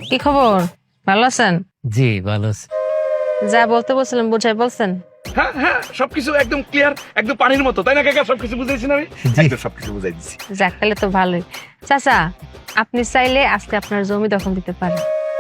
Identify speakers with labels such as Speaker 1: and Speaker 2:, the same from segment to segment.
Speaker 1: কি খবর? ভালো আছেন?
Speaker 2: জি ভালো আছি।
Speaker 1: যা বলতে বলছিলাম বুঝাই বলছেন?
Speaker 3: হ্যাঁ হ্যাঁ, সবকিছু একদম ক্লিয়ার, একদম পানির মতো, তাই না কাকা? সবকিছু বুঝাইছি না আমি?
Speaker 2: জি।
Speaker 3: একদম সবকিছু বুঝাই দিচ্ছি।
Speaker 1: যাক তাহলে তো ভালোই। চাচা, আপনি চাইলে আজকে আপনার জমি দখল দিতে পারেন।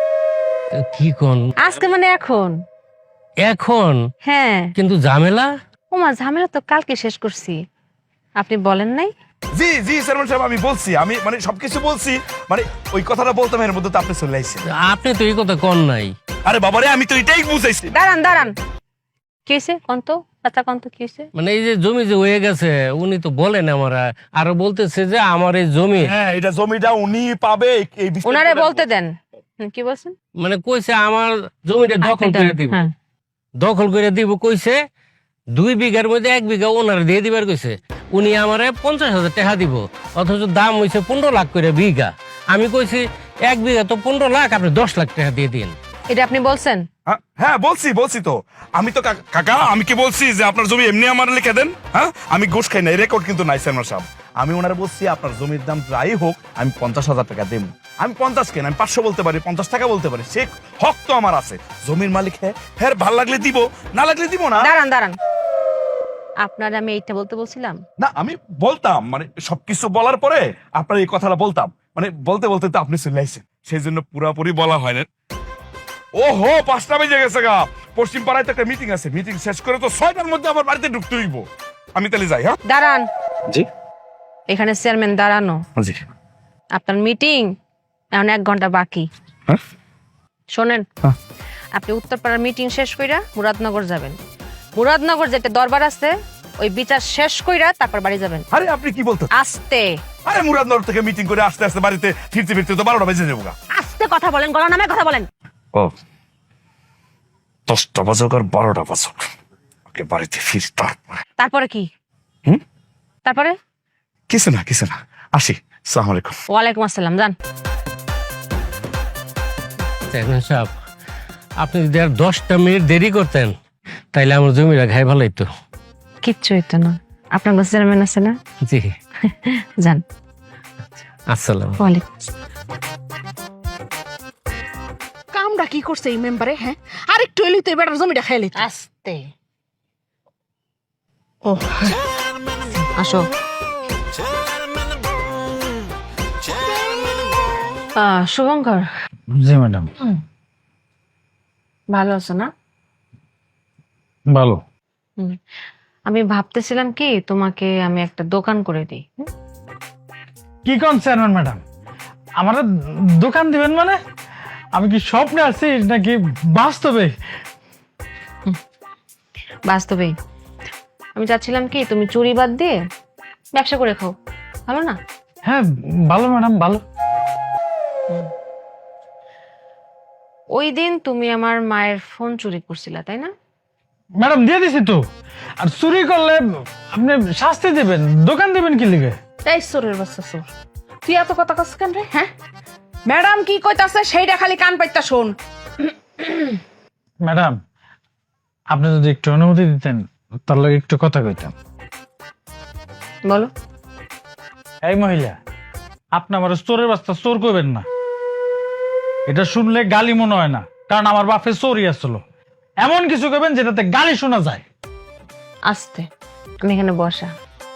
Speaker 2: কি কোন?
Speaker 1: আজকে মানে এখন।
Speaker 2: এখন?
Speaker 1: হ্যাঁ।
Speaker 2: কিন্তু ঝামেলা।
Speaker 1: ওমা, ঝামেলা তো কালকে শেষ করছি। আপনি বলেন নাই?
Speaker 3: জি জি চেয়ারম্যান সাহেব, আমি বলছি, আমি মানে সবকিছু বলছি, মানে ওই কথাটা বলতাম এর মধ্যে তো আপনি চলে আইছেন।
Speaker 2: আপনি তো এই কথা কন নাই।
Speaker 3: আরে বাবারে, আমি তো এটাই বুঝাইছি।
Speaker 1: দাঁড়ান দাঁড়ান, কি হয়েছে কন্ত? চাচা কন্ত কি হয়েছে?
Speaker 2: মানে এই যে জমি যে হয়ে গেছে উনি তো বলেন আমার, আরো বলতেছে যে আমার এই জমি
Speaker 3: হ্যাঁ, এটা জমিটা উনি পাবে, এই বিষয়টা
Speaker 1: ওনারে
Speaker 3: বলবো।
Speaker 1: বলতে দেন। কি বলছেন?
Speaker 2: মানে কইছে আমার জমিটা দখল করে দিব।
Speaker 1: হ্যাঁ।
Speaker 2: দখল করে দিব কইছে। 2 বিঘার মধ্যে 1 বিঘা ওনার দিয়ে দিবার কইছে। উনি আমারে 50,000 টাকা দিব, অথচ দাম হইছে 15 লাখ করে বিঘা। আমি কইছি 1 বিঘা তো 15 লাখ, আপনি 10 লাখ টাকা দিয়ে দিন।
Speaker 1: এটা আপনি বলছেন?
Speaker 3: হ্যাঁ বলছি তো। আমি তো কাকা, আমি কি বলছি যে আপনার জমি এমনি আমার লিখে দেন? হ্যাঁ, আমি ঘুষ খাই না, রেকর্ড কিন্তু নাই চেয়ারম্যান সাহেব। আমি ওনারা বলছি আপনার জমির দাম যাই হোক আমি 50,000 টাকা দেব। আমি 50 কেন, আমি 500 বলতে পারি, 50 টাকা বলতে পারি, সে হক তো আমার আছে। জমির মালিক হ্যাঁ, ভাল লাগলে দিব, না লাগলে দিব না।
Speaker 1: দাঁড়ান দাঁড়ান, আপনার আমি এইটা বলতে বলছিলাম?
Speaker 3: না, আমি বলতাম মানে সবকিছু বলার পরে আপনার এই কথাটা বলতাম, মানে বলতে বলতে তো আপনি চলে আইছেন, সেই জন্য পুরাপুরি বলা হয় না। ওহো, 5টা বেজে গেছে গা। পশ্চিম পাড়ায় তো একটা মিটিং আছে, মিটিং শেষ করে তো 6টার মধ্যে আমার বাড়িতে ঢুকতে হইব। আমি তাহলে যাই। হ্যাঁ
Speaker 1: দাঁড়ান,
Speaker 3: জি
Speaker 1: এখানে চেয়ারম্যান দাঁড়ানো।
Speaker 3: জি।
Speaker 1: আপনার মিটিং এখন 1 ঘন্টা বাকি।
Speaker 3: হ্যাঁ?
Speaker 1: শোনেন,
Speaker 3: হ্যাঁ।
Speaker 1: আপনি উত্তরপাড়ার মিটিং শেষ কইরা মুরাদনগর যাবেন। মুরাদনগর যেটা দরবার আছে ওই বিচার শেষ কইরা তারপর বাড়ি যাবেন।
Speaker 3: আরে আপনি কি বলতেন?
Speaker 1: আস্তে
Speaker 3: আরে মুরাদনগর থেকে মিটিং করে আসতে আসতে বাড়িতে ফিরতে ফিরতে তো 12টা বেজে যাবো গা।
Speaker 1: আস্তে কথা বলেন, গলা নামে কথা বলেন।
Speaker 3: ও, 10টা বাজুক আর 12টা বাজুক, ওকে বাড়িতে ফির তারপরে।
Speaker 1: তারপরে কি?
Speaker 3: হুম?
Speaker 1: তারপরে?
Speaker 3: কিছু না কিছু না, আসি। আসসালামু আলাইকুম।
Speaker 1: ওয়ালাইকুম আসসালাম, যান।
Speaker 2: চেয়ারম্যান সাহেব, আপনি যদি আর 10টা মিনিট দেরি করতেন তাইলে আমার জমিটা খাই ভালো হইতো।
Speaker 1: কিচ্ছু হইতো না, আপনার কাছে চেয়ারম্যান আছে না?
Speaker 2: জি।
Speaker 1: যান।
Speaker 2: আসসালাম।
Speaker 1: ওয়ালাইকুম আসসালাম।
Speaker 4: কামটা কি করছে এই মেম্বারে? হ্যাঁ, আরেকটু এলি তো এবার জমিটা খাইলি।
Speaker 1: আস্তে।
Speaker 4: ও
Speaker 1: আসো। শুভঙ্কর,
Speaker 5: জি ম্যাডাম।
Speaker 1: ভালো আছো না?
Speaker 5: ভালো।
Speaker 1: আমি ভাবতেছিলাম কি তোমাকে আমি একটা দোকান করে দিই।
Speaker 5: কি কোন চেয়ারম্যান ম্যাডাম, আমার দোকান দিবেন মানে? আমি কি স্বপ্নে আছি নাকি বাস্তবে?
Speaker 1: বাস্তবেই আমি চাচ্ছিলাম কি তুমি চুরি বাদ দিয়ে ব্যবসা করে খাও, ভালো না?
Speaker 5: হ্যাঁ ভালো ম্যাডাম, ভালো।
Speaker 1: ওই দিন তুমি আমার মায়ের ফোন চুরি করছিলা তাই না?
Speaker 5: ম্যাডাম দিয়ে দিছি তো। আর চুরি করলে আপনি শাস্তি দিবেন, দোকান দিবেন কি লিগে?
Speaker 4: এই সোরের বাচ্চা সোর, তুই এত কথা কস কেন রে? হ্যাঁ, ম্যাডাম কি কইতাছে সেইটা খালি কান পাইতা শোন।
Speaker 5: ম্যাডাম, আপনি যদি একটু অনুমতি দিতেন তার লগে একটু কথা কইতাম।
Speaker 1: বলো।
Speaker 5: এই মহিলা, আপনি আমার চোরের বাচ্চা চোর কইবেন না। এটা শুনলে গালি মনে হয় না, কারণ আমার বাপে চোরই আসলো। এমন কিছু কইবেন যেটাতে গালি শোনা যায়।
Speaker 1: আস্তে, আমি এখানে বসা।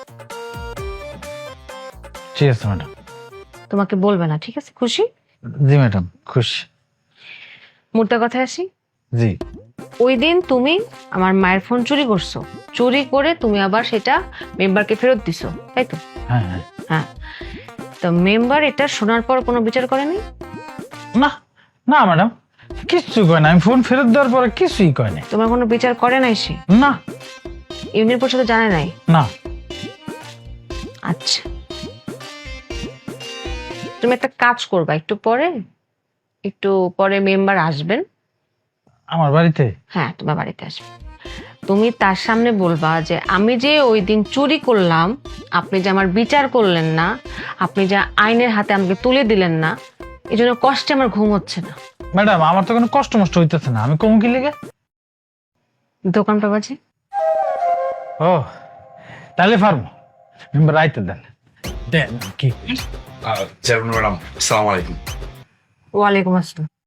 Speaker 5: ঠিক আছে ম্যাডাম।
Speaker 1: তোমাকে বলবে না, ঠিক আছে? খুশি?
Speaker 5: জি ম্যাডাম, খুশি।
Speaker 1: মোটা কথায় আসি।
Speaker 5: জি।
Speaker 1: ওই দিন তুমি আমার মায়ের ফোন চুরি করছো, চুরি করে তুমি আবার সেটা মেম্বারকে ফেরত দিছো, তাই তো?
Speaker 5: হ্যাঁ হ্যাঁ।
Speaker 1: হ্যাঁ, তো মেম্বার এটা শোনার পর কোনো বিচার করেনি?
Speaker 5: না না ম্যাডাম, কিচ্ছু কয় না। আমি ফোন ফেরত দেওয়ার পরে কিছুই কয় নাই।
Speaker 1: তোমার কোনো বিচার করে নাই সে?
Speaker 5: না
Speaker 1: ইউনিয়ন পরিষদে জানে নাই?
Speaker 5: না।
Speaker 1: আচ্ছা, তুমি একটা কাজ করবা, একটু পরে মেম্বার আসবেন।
Speaker 5: আমার বাড়িতে?
Speaker 1: হ্যাঁ, তোমার বাড়িতে আসবে। তুমি তার সামনে বলবা যে আমি যে ওই দিন চুরি করলাম, আপনি যে আমার বিচার করলেন না, আপনি যে আইনের হাতে আমাকে তুলে দিলেন না, এই জন্য কষ্টে আমার ঘুম হচ্ছে না।
Speaker 5: ম্যাডাম, আমার তো কোনো কষ্ট মষ্ট হইতেছে না, আমি কম কি লিগে?
Speaker 1: দোকানটা বাজে।
Speaker 5: ও তাহলে ফার্ম মেম্বার রাইতে দেন। দেন কি?
Speaker 3: চেয়ারম্যান ম্যাডাম, আসসালামু আলাইকুম।
Speaker 1: ওয়ালাইকুম আসসালাম।